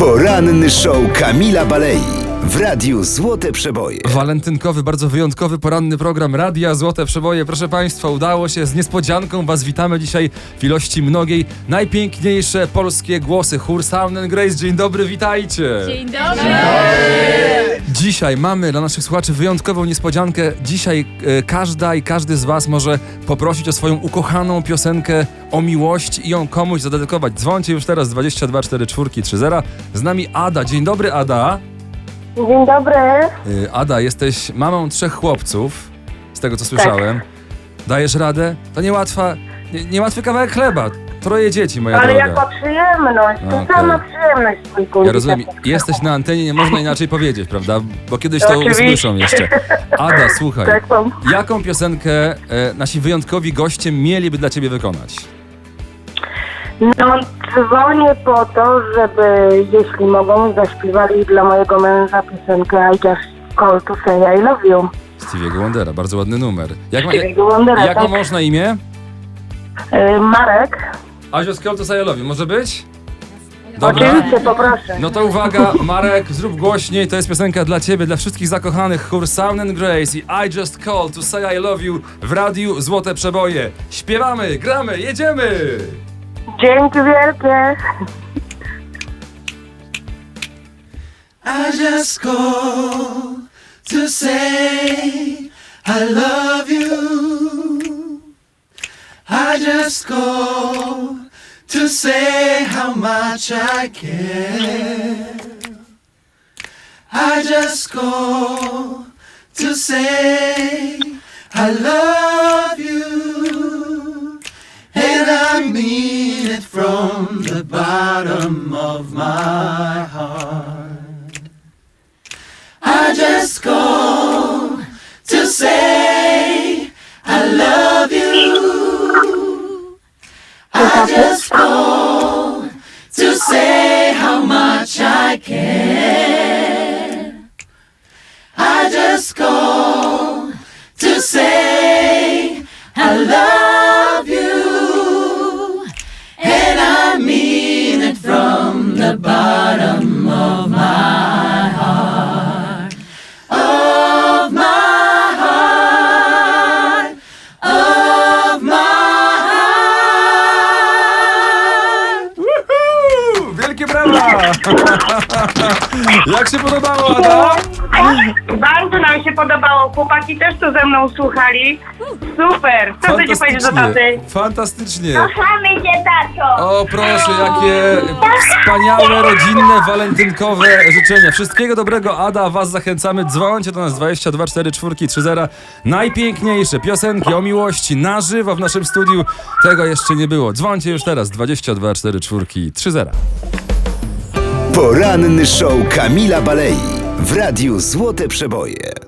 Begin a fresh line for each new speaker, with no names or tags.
Poranny show Kamila Balei w Radiu Złote Przeboje.
Walentynkowy, bardzo wyjątkowy poranny program Radia Złote Przeboje. Proszę Państwa, udało się, z niespodzianką Was witamy dzisiaj w ilości mnogiej. Najpiękniejsze polskie głosy, chór Sound and Grace. Dzień dobry, witajcie.
Dzień dobry.
Dzisiaj mamy dla naszych słuchaczy wyjątkową niespodziankę. Dzisiaj każda i każdy z Was może poprosić o swoją ukochaną piosenkę o miłość i ją komuś zadedykować. Dzwońcie już teraz 22 44 30. Z nami Ada. Dzień dobry, Ada.
Dzień dobry.
Ada, jesteś mamą 3 chłopców, z tego co słyszałem. Dajesz radę? To niełatwy kawałek chleba. 3 dzieci, moja
Ale
droga.
jaka przyjemność, to
Okej.
sama przyjemność twój
Ja rozumiem, jesteś na antenie, nie można inaczej powiedzieć, prawda? Bo kiedyś to
Oczywiście.
usłyszą jeszcze. Ada, słuchaj,
Tak, mam.
jaką piosenkę nasi wyjątkowi goście mieliby dla ciebie wykonać?
No, dzwonię po to, żeby, jeśli mogą, zaśpiewali dla mojego męża piosenkę I Just Call to Say I Love You.
Stevie'ego Wondera, bardzo ładny numer.
Stevie'ego Wondera,
Jak ma
tak.
mąż na imię?
Marek,
I Just Call to Say I Love You, może być? Dobra.
oczywiście, poproszę.
No to uwaga, Marek, zrób głośniej, to jest piosenka dla ciebie, dla wszystkich zakochanych, chór Sound and Grace i I Just Call to Say I Love You w Radiu Złote Przeboje. Śpiewamy, gramy, jedziemy!
Dzięki wielkie.
I just call to say I love you. I just call to say how much I care. I just call to say I love you. And I mean it from the bottom of my heart. I just call to say I love you. I just call to say how much I care. I just call to say I love you. And I mean it from the bottom of my heart. Of my heart. Of my heart.
Woohoo! Wielkie brawa! Jak się podobało, Ada?
Bardzo nam się podobało, chłopaki też tu ze mną słuchali. Super, co chcecie powiedzieć do taty?
Fantastycznie.
Kochamy cię, tato.
O proszę, jakie wspaniałe, rodzinne, walentynkowe życzenia. Wszystkiego dobrego, Ada, was zachęcamy. Dzwońcie do nas 22 44 30. Najpiękniejsze piosenki o miłości na żywo w naszym studiu. Tego jeszcze nie było. Dzwońcie już teraz 22 44 30.
Poranny show Kamila Balei w Radiu Złote Przeboje.